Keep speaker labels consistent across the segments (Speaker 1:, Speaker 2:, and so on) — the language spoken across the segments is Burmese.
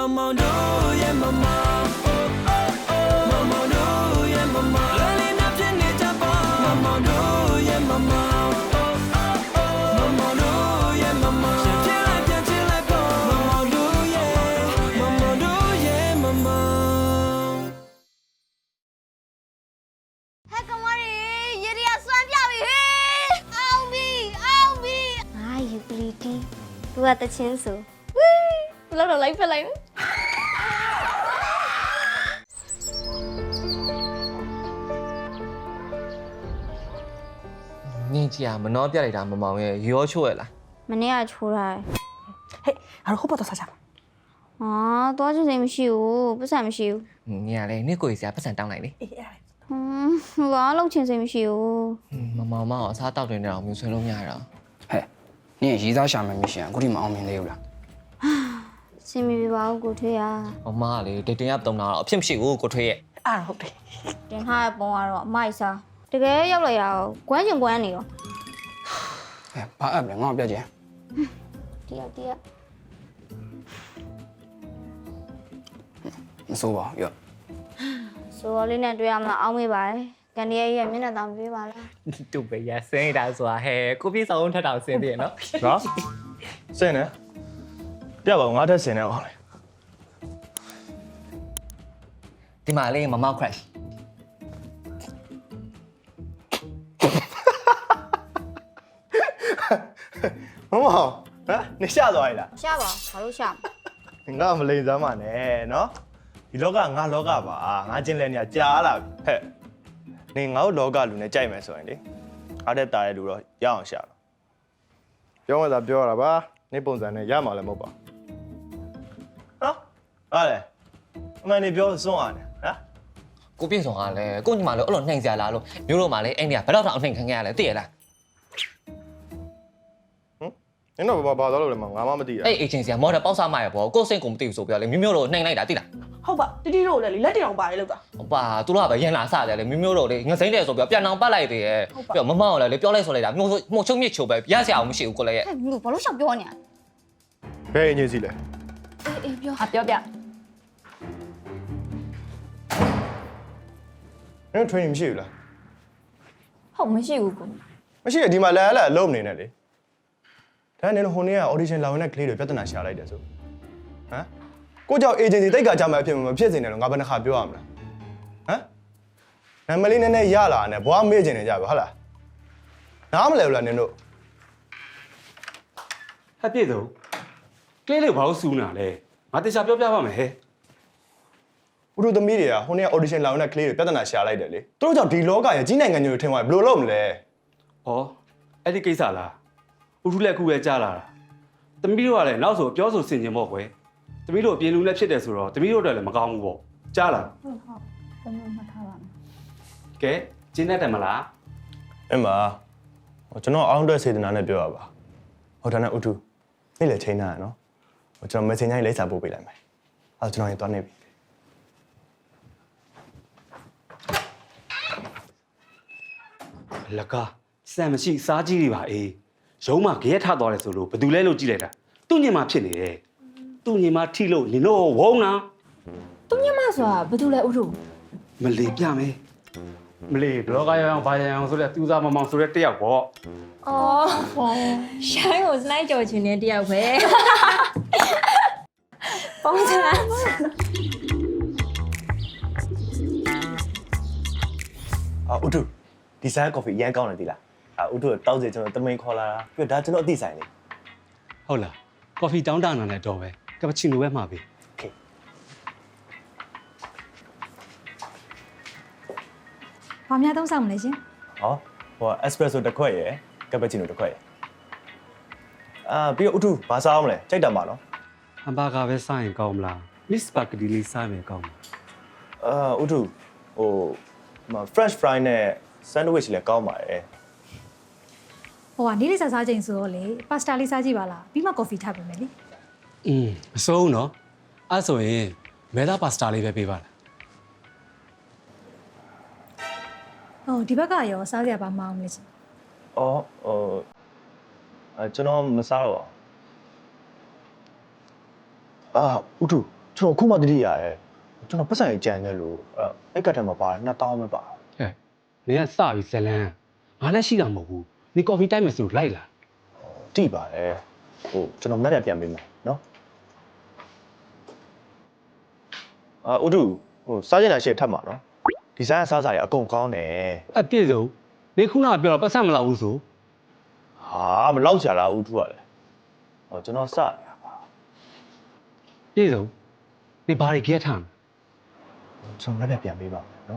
Speaker 1: Mama do yeah mama oh oh oh Mama do yeah mama Lali na pini japa Mama do yeah mama oh oh oh Mama do yeah mama Chill like po Mama do yeah mama
Speaker 2: Hey kamari yeri aswanပြပြီဟေးအောင်ပြီငါယူပလီတီသူကတချင်းဆိုဝီးဘလောက်တော့လိုက်ဖက်လိုက်
Speaker 3: နင်းကြီးကမနှောပြလိုက်တာမမောင်ရဲ့ရောချိုးရလား
Speaker 2: မနေ့ကချိုးထားတယ်
Speaker 4: ဟေးငါတို့ဟိုဘက်တော့စားကြမှာ
Speaker 2: ဟာသွားချင်စိမ်မရှိဘူးပတ်စံမရှိဘူး
Speaker 3: နင်းကလည်းနင့်ကိုကြီးစရာပတ်စံတောင်းလိုက်လေ
Speaker 4: အေးအဲ့ဒါ
Speaker 2: ဘာလောက်ချင်စိမ်မရှိဘူး
Speaker 3: မမောင်မအောင်အစားတောက်တင်နေအောင်မျိုးဆွဲလို့မရတော့
Speaker 5: ဟဲ့နင်ရေးသားရှာမယ်မရှင်အခုဒီမအောင်မြင်သေးဘူးလား
Speaker 2: စင်မီပြပါဘူးကိုထွေးရ
Speaker 3: မမကလေတိတ်တင်ရတုံတာတော့အဖြစ်မရှိဘူးကိုထွေးရဲ့
Speaker 4: အဲ့ဒါဟုတ်တယ်
Speaker 2: တင်ထားတဲ့ပုံကတော့အမိုက်စားတကယ်ရောက်လိုက်ရအောင်ကွမ်းချင်ကွမ်းနေရော
Speaker 5: ဟဲ့ဘာအပ်လဲငါ့ကိုပြကြည့်
Speaker 2: တရက်
Speaker 5: မစိုးပါဘူးရော့
Speaker 2: ဆိုတော့လေးနဲ့တွေ့ရမလားအောင်းမေးပါတယ်ကန်ဒီရဲ့မျက်နှာတောင်ပြေးပါလား
Speaker 3: တူပဲရစင်းတာဆိုတာဟဲ့ကိုပြေဆောင်ထက်တောင်စင်းသေးရနော်
Speaker 6: နော်စင်နေပြပါငါထက်စင်နေအောင်လေ
Speaker 3: ဒီမှာလေးမမောက် crash
Speaker 6: မမဟမ်နေရှာသွားရလား
Speaker 2: ရှာပါဘာလို့ရှာမ
Speaker 6: ငါမလိန်စမ်းပါနဲ့နော်ဒီလောကငါလောကပါငါချင်းလဲနေကြာလာပြီဟဲ့နေငါတို့လောကလူနဲ့ကြိုက်မယ်ဆိုရင်လေအားတဲ့တားတဲ့လူတော့ရအောင်ရှာတော့ပြောမှသာပြောရတာပါနေပုံစံနဲ့ရမှာလည်းမဟုတ်ပါနော်ဟာလေအမှန်နေပြောစွန့်ရတယ်ဟမ်
Speaker 3: ကိုပြေဆောင်ကလည်းကိုညီမလည်းအဲ့လိုနှိမ်စရာလားလို့မျိုးတို့မှလည်းအဲ့နေကဘယ်တော့တောင်နှိမ်ခံခဲ့ရလဲသိရလား
Speaker 6: နင်တို့ဘာသွားလို့လဲမငါမှမသိရ
Speaker 3: အဲ့ agency ကမော်ဒယ်ပေါက်စားမှရပေါ့ကိုစိတ်ကိုမသိဘူးဆိုပြလေမျိုးတို့နှိမ်လိုက်တာသိလား
Speaker 4: ဟုတ်ပါတီတီတို့လည်းလက်တောင်ပါတယ်လို့တာ
Speaker 3: ဟုတ်ပါသူတို့ကပဲရန်လာစတယ်လေမျိုးတို့လေငစိမ့်တယ်ဆိုပြပြန်အောင်ပတ်လိုက်သေးရဲ့ပြမမောင်လည်းပြောလိုက်ဆိုလိုက်တာမှုချုံမြစ်ချိုပဲရစရာအောင်မရှိဘူးကိုလည်းရဲ့
Speaker 2: ဟဲ့ဘူးဘာလို့ရှောက်ပြောနေရ
Speaker 6: ဘယ်အငြင်းစီလဲ
Speaker 2: အေးပြော
Speaker 4: ဟာပြောပြ
Speaker 6: နင် training မရှိဘူးလား
Speaker 4: ဟုတ်မရှိဘူးကို
Speaker 6: မရှိရဒီမှာလာလာလုံးနေနဲ့လေဒါနဲ့ဟိုနေ့က audition လာဝင်တဲ့ကလေးတွေပြဿနာရှာလိုက်တယ်ဆိုဟမ်ကိုကြောင့် agency တိတ်ကကြမှာအဖြစ်မဖြစ်စင်တယ်လို့ငါဘယ်နှခါပြောရမလားဟမ်နာမလေးနည်းနည်းရလာနဲ့ဘွားမေ့ကျင်နေကြပါဟုတ်လားနားမလဲဘူးလားနင်တို့
Speaker 7: ဟဲ့ပြည့်စုံကလေးလေးဘာလို့စူးနာလဲငါတေချာပြောပြပါမယ်ဟဲ့
Speaker 6: ဥရုသမီးတွေကဟိုနေ့က audition လာဝင်တဲ့ကလေးတွေပြဿနာရှာလိုက်တယ်လေသူတို့ကြောင့်ဒီလောကရဲ့ကြီးနိုင်ငံမျိုးတွေထင်သွားဘယ်လိုလုပ်မလဲ
Speaker 7: ဩအဲ့ဒီကိစ္စလားဥထုလက်ခုပဲကြားလာတာတမီးတို့ကလည်းနောက်ဆိုပြောဆိုဆင်ခြင်ပေါ့ကွယ်တမီးတို့အပြင်လူလည်းဖြစ်တယ်ဆိုတော့တမီးတို့အတွက်လည်းမကောင်းဘူးပေါ့ကြားလား
Speaker 4: ဟုတ်ဘယ်လိုမှထားပါမလဲ
Speaker 7: ကဲကျင်းတတ်တယ်မလား
Speaker 6: အမကျွန်တော်အောင်းအတွက်စေတနာနဲ့ပြောရပါဟိုဒါနဲ့ဥထုနေ့လေချိန်ထားရနော်ကျွန်တော် messenger လေးလိပ်စာပို့ပေးလိုက်မယ်အဲ့ကျွန်တော်ရင်သွားနေပြီ
Speaker 7: လကားစံမရှိစားကြီးတွေပါအေးရုံးမှာကြရက်ထသွားတယ်ဆိုလို့ဘယ်သူလဲလို့ကြည့်လိုက်တာသူ့ညင်မှာဖြစ်နေတယ်သူ့ညင်မှာထိလို့နင်တို့ဝုန်းနာ
Speaker 4: သူညမဆိုတာဘာလို့လဲဥထု
Speaker 7: မလီပြမယ်မလီဘလော့ကရအောင်ဘာရအောင်ဆိုတဲ့သူစားမမောင်ဆိုတဲ့တယောက်ပေါ့
Speaker 8: အော်ရှိုင်းကိုစလိုက်ကြော်ချင်တဲ့တယောက်ပဲပုံစံ
Speaker 6: ဥထုဒီဆိုင်ကော်ဖီရမ်းကောင်းတယ်ဒီလားဥထုတောက်စီကျွန်တော်တမိန်ခေါ်လာတာပြီးတော့ဒါကျွန်တော်အသိဆိုင်လေ
Speaker 7: ဟုတ်လားကော်ဖီတောင်းတနာနဲ့တော့ပဲကပ္ပချီနိုပဲမှာပြီ
Speaker 6: โอเค
Speaker 8: ဘာများသုံးဆောင်မလဲရှင်
Speaker 6: ဟောဟို espresso တစ်ခွက်ရယ်ကပ္ပချီနိုတစ်ခွက်ရယ်ပြီးတော့ဥထုဘာစားအောင်မလဲကြိုက်တာပါနော်
Speaker 7: ဟမ်ဘာဂါပဲစားရင်ကောင်းမလားမစ်စပါဂက်တီလေးစားမယ်ကောင်းမလား
Speaker 6: ဥထုဟိုFrench fry နဲ့ sandwich လည်းကောင်းပါတယ်
Speaker 8: ဟိုကနေ့လေးစားချိန်ဆိုတော့လေပါစတာလေးစားကြည့်ပါလားပြီးမှကော်ဖီထပ်ပေးမယ်လေ
Speaker 7: မစိုးနော်အဲ့ဆိုရင်မဲသားပါစတာလေးပဲပေးပါလား
Speaker 8: ဟိုဒီဘက်ကရောစားစရာဘာမအောင်လဲရှင်
Speaker 6: အော်ကျွန်တော်မစားတော့ဥထုကျွန်တော်ခုမှတတိရတယ်ကျွန်တော်ပတ်စံကြီးကြံနေလို့အဲ့ကတ်ထဲမှာပါတယ်2000ပဲပါ
Speaker 7: ဟဲ့နင်ကစပြီးဇလန်းငါလည်းရှိတာမဟုတ်ဘူးနင်ကော်ဖီတိုက်မယ်ဆိုလိုက်လာ
Speaker 6: တိပါတယ်ဟိုကျွန်တော်မက်ပြန်ပေးမယ်နော်ဥဒုဟိုစားကျင်တာရှေ့ထပ်မှာနော်ဒီဇိုင်းစားစားရအကုန်ကောင်းတယ်
Speaker 7: အပြည့်စုံနင်ခုနကပြောတော့ပတ်စံမလောက်ဘူးဆို
Speaker 6: ဟာမလောက်ချလာဥဒုကလည်းဟောကျွန်တော်စရပါ
Speaker 7: ပြည့်စုံနင်ဘာတွေကြက်ထားမလဲ
Speaker 6: ကျွန်တော်မက်ပြန်ပေးပါမယ်နော်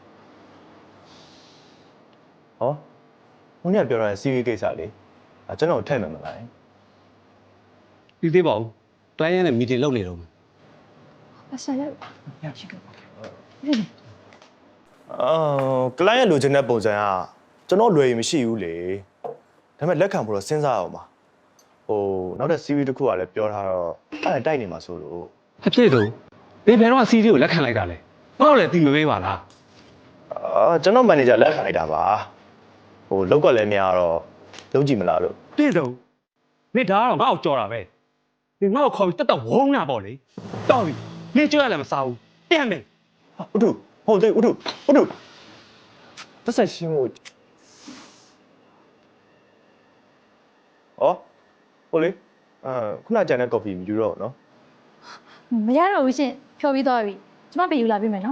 Speaker 6: ဟောဟိုနေ့ပြောရတဲ့ CV ကိစ္စလေးကျွန်တော်ထည့်မယ်မလား
Speaker 7: ပြီးသေးပါဦးတိုင်းရနဲ့မီတင်လုပ်နေတော့မယ်
Speaker 4: အဆရာရရှိက
Speaker 6: ကလိုင်းရဲ့လိုချင်တဲ့ပုံစံကကျွန်တော်လွယ်ရင်မရှိဘူးလေဒါပေမဲ့လက်ခံဖို့တော့စဉ်းစားအောင်ပါဟိုနောက်တဲ့ CV တစ်ခုကလည်းပြောထားတော့အဲ့ဒါတိုက်နေမှာဆိုလို့
Speaker 7: အပြည့်စုံနင်ဘယ်တော့စီးရီကိုလက်ခံလိုက်တာလဲငါ့ကိုလည်းတီမပေးပါလား
Speaker 6: ကျွန်တော်မန်နေဂျာလက်ခံလိုက်တာပါဟိုလောက်ကလည်းမရတော့လုံးကြည့်မလားလို့
Speaker 7: ပြည့်စုံနင်ဒါကတော့ငါ့ကိုကြော်တာပဲနင်ငါ့ကိုခေါ်ပြီးတက်တော့ဝုန်းတာပေါ့လေတော်ပြီနင်ကြောက်ရလည်းမစားဘူးပြန်မယ်
Speaker 6: ဥထုဟုတ်တယ်ဥထုပတ်ဆက်ရှင်းဖို့ဟိုလေခုနကြံတဲ့ coffee မယူတော့ဘူးနော်
Speaker 8: မရတော့ဘူးရှင်ဖြော်ပြီးသွားပြီကျမပေးယူလာပေးမယ်နော်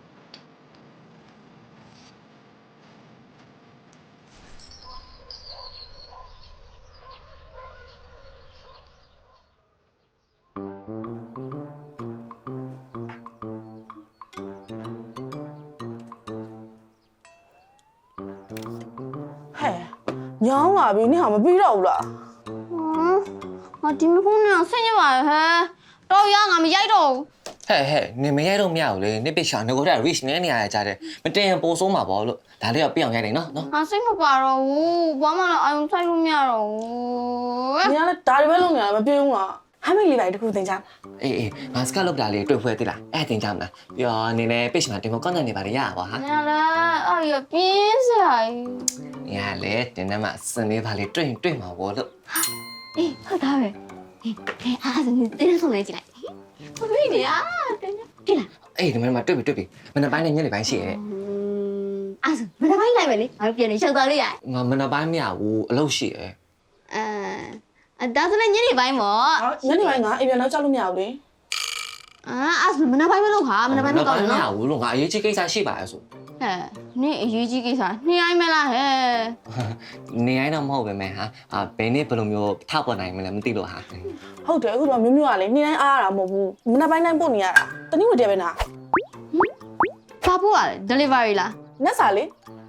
Speaker 4: ဟဲ့ညောင်းလာပြီနင်ဟာမပြီးတော့ဘူးလား
Speaker 2: ငါဒီမဖုန်းနဲ့ဆင်းရပါဟဲ့တော့ရငါမရိုက်တော့ဘူး
Speaker 3: ဟဲ့နင်မရိုက်တော့မရဘူးလေနစ်ပစ်ချာငကိုတဲ့ reach နဲ့နေရကြတယ်မတင်ရင်ပိုဆိုးမှာပေါ့လို့ဒါလေးကပြအောင်ရိုက်နေနော်
Speaker 2: ငါစိတ်မပါတော့ဘူးဘာမှလည်းအာရုံစိုက်လို့မရတော့ဘူး
Speaker 4: နင်ကလည်းဒါတွေပဲလုပ်နေတာမပြေဘူးလားဟမ်းမိတ်လေးပိုင်းတစ်ခုသင်ကြ
Speaker 3: အေးငါစကလောက်တာလေးတွေ့ဖွဲ့သေးလားအဲ့တင်ကြမလားပြီးတော့နင်လည်း page မှာတင်ဖို့ content တွေပါရရပါဟာ
Speaker 2: ငါလည်းအဲ့ရပြင်းစရာကြီး
Speaker 3: ။ညာလေတင်းနမစနေပါလေတွေ့မှာပေါ့လို့
Speaker 2: အေးဟုတ်သားပဲအေးအားစနေတင်းဆုံးလေးကြည့်လိုက်ဘယ်လိုလဲအာတင်းကြည့်လား
Speaker 3: ။အေးဒီမှာတွေ့ပြီ။မနက်ပိုင်းနဲ့ညနေပိုင်းရှိရဲ့
Speaker 2: အားစမနက်ပိုင်းလိုက်ပဲလေငါပြန်နေရှောက်သွားလို့ရ
Speaker 3: ။ငါမနက်ပိုင်းမရဘူးအလုပ်ရှိရဲ့
Speaker 2: ဒါဆိုလည်းညနေပိုင်းပေါ့
Speaker 4: ညနေပိုင်းကအိမ်ပြန်တော့ကြောက်လို့မရဘူးလေ
Speaker 2: အားစမနက်ပိုင်းမလုပ်ဟာမနက်ပိုင်းမကောင်း
Speaker 3: မ
Speaker 2: နော်
Speaker 3: ရဘူးလို့ငါအရေးကြီးကိစ္စရှိပါရဲ့ဆို
Speaker 2: ဟဲ့နင်အရေးကြီးကိစ္စနှိုင်းမလားဟဲ့
Speaker 3: ။နေတိုင်းတော့မဟုတ်ပဲမဲ့ဟာဘယ်နေ့ဘယ်လိုမျိုးထောက်ပေါ်နိုင်မလဲမသိလို့ဟာ
Speaker 4: ဟုတ်တယ်အခုတော့မျိုးမျိုးကလေနေ့တိုင်းအားရတာမဟုတ်ဘူးမနေ့ပိုင်းတိုင်းပို့နေရတာတနည်းဝတည်းပဲနာ
Speaker 2: ဘာပို့ရလဲ delivery လား
Speaker 4: နက်စာလေ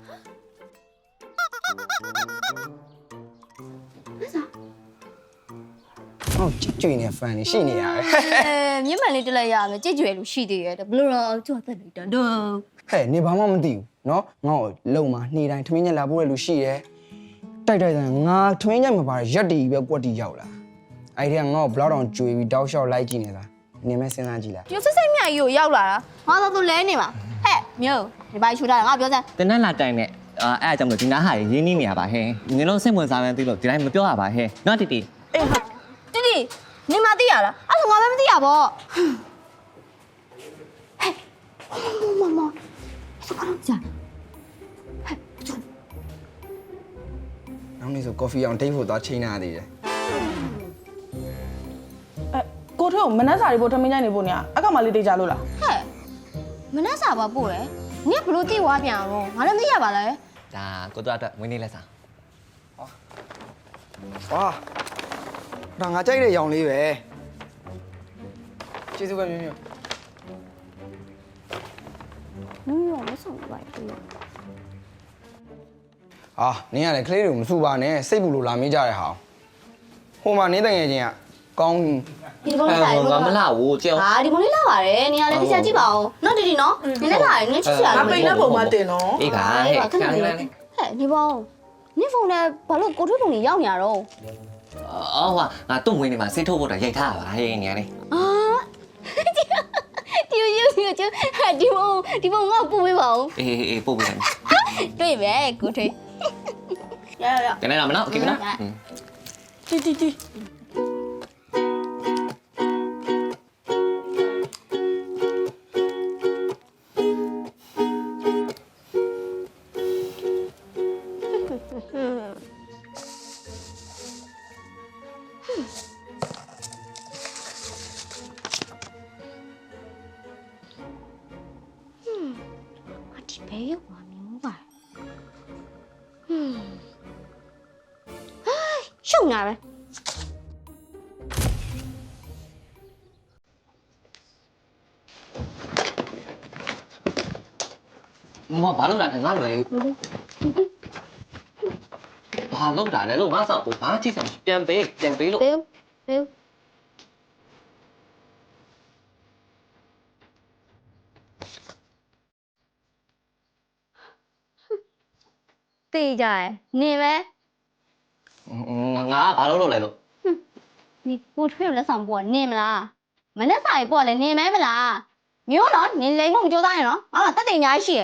Speaker 5: ဟုတ်ကြွနေဖန်နေရှိနေရတယ်
Speaker 2: မြင့်မှန်လေးတက်လိုက်ရမယ်ကြည့်ကြွယ်လို့ရှိသေးရဲ့ဘလို့တော့ကြွသက်လိုက်တော့
Speaker 5: ဟဲ့နေဘာမှမသိဘူးเนาะငါ့ကိုလုံမှာနေ့တိုင်းထမင်းညက်လာပို့ရလို့ရှိတယ်တိုက်တယ်ငါထမင်းညက်မပါရက်တီပဲကွက်တီရောက်လာအဲ့ဒီကငါ့ကိုဘလောက်တောင်ကြွေပြီးတောက်လျှောက်လိုက်ကြည့်နေတာနင်မဲစဉ်းစားကြည့်လား
Speaker 2: ပြစစ်စစ်မြတ်ကြီးကိုရောက်လာတာငါတော့သူလဲနေမှာဟဲ့မြို့ဒီပိုင်းချူတာငါပြောစမ်း
Speaker 3: ။တင်းနက်လာတိုင်နဲ့အဲ့အကြောင့်မလို့ဒီနားဟာရင်းနှီးနေရပါဟဲ့။နင်တို့စိတ်ဝင်စားမှန်းသိလို့ဒီတိုင်းမပြောရပါဟဲ့။နော်တီတီ
Speaker 4: အေးဟာ
Speaker 2: တီတီနင်မသိရလားအဲ့ဒါငါပဲမသိရပေါ့ဟဲ့မမစကားကြာ
Speaker 5: နောက်နေ့ဆိုကော်ဖီအောင်ဒိတ်ဖို့သွားချိန်နေသေးတယ်
Speaker 4: အဲကိုထွေးကိုမနက်စာတွေပို့ထမင်းညိုင်းနေပို့နေရအကောင်မလေးတေးကြလို့လား
Speaker 2: ဟဲ့မနှက်စာပါပို့တယ်နင်ကဘလို့တိဝါပြန်အောင်ငါလည်းမသိရပါလား
Speaker 3: ။ဒါကိုတို့အတွက်ဝင်းနေလက်စား
Speaker 5: ဝါဒါငါကြိုက်တဲ့ရောင်လေးပဲကျေးဇူးပဲမျိုးမျိုး
Speaker 2: မြို့မဆောင်ပါဘူး
Speaker 5: အာနင်းကလည်းကလေးတွေကိုမဆူပါနဲ့စိတ်ပူလို့လာမေးကြတဲ့ဟာဟိုမှာနင်းတငယ်ချင်းကကောင်း
Speaker 2: ဒီဘုံလေးလာ
Speaker 3: ငါမလာဘူးကြောက်
Speaker 2: ဟာဒီဘုံလေးလာပါတယ်နေရာလည်းတစ်ချက်ကြည့်ပါဦးနော်တီတီနော်နင်လည်းလာရင်ငါချစ်ချင်
Speaker 4: ငါပိန်တဲ့ပုံမှာတင်နော်
Speaker 3: ။အေးကဟဲ့ခဏလေး
Speaker 2: ဟဲ့ဒီဘုံနင်ဖုန်းနဲ့ဘာလို့ကိုထွေးပုံကြီးရောက်နေရတော့
Speaker 3: အော်ဟာငါတုံဝင်နေမှာစိတ်ထုတ်ဖို့တော့ရိုက်ထားပါဟဲ့ညာလေး
Speaker 2: အာတီယူတီကျဒီဘုံငါ့ပို့ပေးပါဦး
Speaker 3: အေးပို့ပေးတယ်
Speaker 2: တွေ့ပဲကိုထွေးရရ
Speaker 3: ။ကနေလာမနော်โอเคနော်
Speaker 4: တီတီတီ
Speaker 2: အဒီဘဲရောက်ပါမျိုးပါရှုံနာပဲ
Speaker 3: မဘာလို့လာလဲငါလွယ်ဘာလို့လာလဲလို့ငါစောက်ကိုဘာကြည့်စမ်းပြန်ပေးလို့
Speaker 2: ဘဲဘဲတေးကြရနေပဲ
Speaker 3: ငါဘာလို့လုပ်လဲလို့
Speaker 2: 你过去了上播，你们啦，没得啥播了，你们不啦？没有了，你来我就打了啊，得等下去。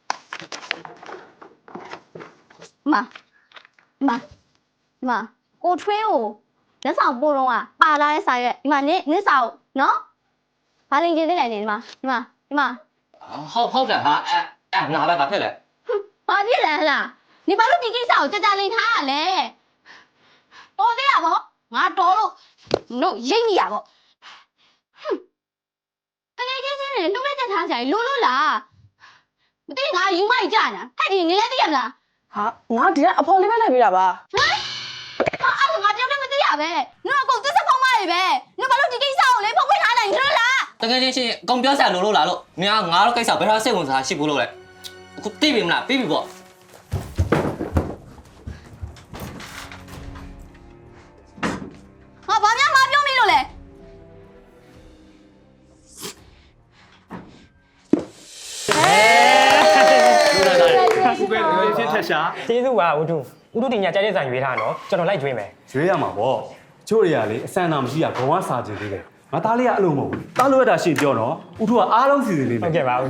Speaker 2: 妈，过去哦，那上播了啊，把那啥个，你少喏，把零件来你妈，
Speaker 3: ဟုတ်တယ်ဟာငါပဲဘာဖြစ်လဲ
Speaker 2: 把你来了，你把那几个少在家里看嘞，多的呀不？我多了，no 赢呀不？哼，那个人弄来在他家撸啦，对我有买家呢，还得你来点啦。
Speaker 4: ဟာငါဒီကအဖေါ်လေးပဲလိုက်ပေးတာပါ
Speaker 2: 我叫你们这样呗，你老公这是跑马的呗，你把那几个少嘞跑回他那去了。
Speaker 3: တကယ်ချင်းကောင်ပြောဆရာလို့လာလို့မင်းငါတို့ကိစ္စဘယ်တော့စိတ်ဝင်စားရှိဘူးလို့လဲအခုသိပြီမလားပြီးပြီပေါ့
Speaker 2: 我旁边马标没了嘞。
Speaker 7: ခုပဲဒီချင်းထက်ရှာ
Speaker 9: ကျေးဇူးပါဦးထုတင်ညာကြိုက်တဲ့ဇာရွေးထားနော်ကျွန်တော်လိုက်ကျွေးမယ်
Speaker 7: ရွေးရမှာပေါ့ချို့တွေကလေအဆန်တာမရှိရဘဝစာကျင်သေးတယ်ငါသားလေးကအလုံးမဟုတ်ဘူးသားလို့ရတာရှင်းပြောနော်ဥထုကအားလုံးစီစဉ်နေတယ်
Speaker 9: ဟုတ်ကဲ့ပါဦး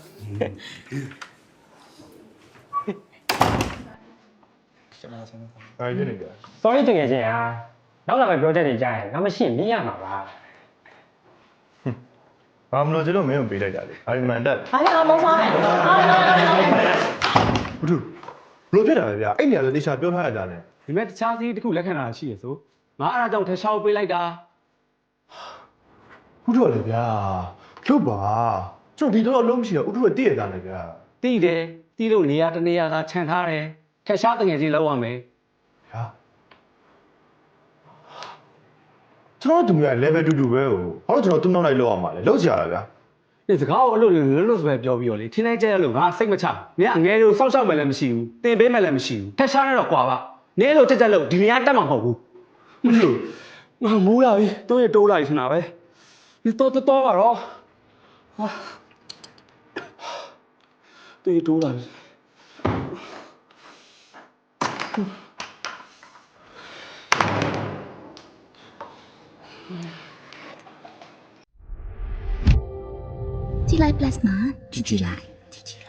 Speaker 6: ဘာဖြစ်နေကြ
Speaker 9: sorry တကယ်ချင်းဟာနောက်လာမယ့် project တွေကြားရင်ငါမရှိရင်မြင်ရမှာပါ
Speaker 6: ဘာမလို့ကျလို့မင်းကိုပေးလိုက်တာလေဘာမှန်တက်
Speaker 4: ဟာလေအမောစား
Speaker 6: ဘူးသူဘလို့ဖြစ်တာလဲဗျအဲ့နေရာဆိုတေချာပြောထားရကြတယ်
Speaker 7: ဒီမဲ့တခြားစီးတစ်ခုလက်ခံတာရှိရဆိုငါအားအကြောင်းထက်ရှားပေးလိုက်တာ
Speaker 6: ဥထုလေဗျာကျုပ်ပါကျွန်တော်ဒီတော့လုံးမရှိတော့ဥထုကတည့်ရတာလေဗျာ
Speaker 7: တီးတယ်တီးလို့နေရာတနေရာကခြံထားတယ်ထက်ရှားတငယ်ချင်းလောက်ရမယ်
Speaker 6: ဗျာကျွန်တော်တို့က level 2 2ပဲဟိုဘာလို့ကျွန်တော်တွန်းလိုက်လောက်အောင်ပါလဲလောက်ကြရတာဗျာ
Speaker 7: ဒီစကားကိုအလုပ်လွတ်ဆိုပဲပြောပြီးတော့လေထင်းလိုက်ကြရလို့ငါစိတ်မချမင်းအငယ်လို့စောက်ရှောက်မယ်လည်းမရှိဘူးတင်ပေးမယ်လည်းမရှိဘူးထက်ရှားရတော့ကွာပါနင်းလို့တက်လို့ဒီနေရာတက်မှာမဟုတ်ဘူးမလို့ငါမိုးလာပြီတိုးရတိုးလာပြီဆိုတာပဲဒီတော့ပါတော့ဟာတိုးလာပြီ
Speaker 10: ကြည်လိုက် plus မှာကြည်လိုက်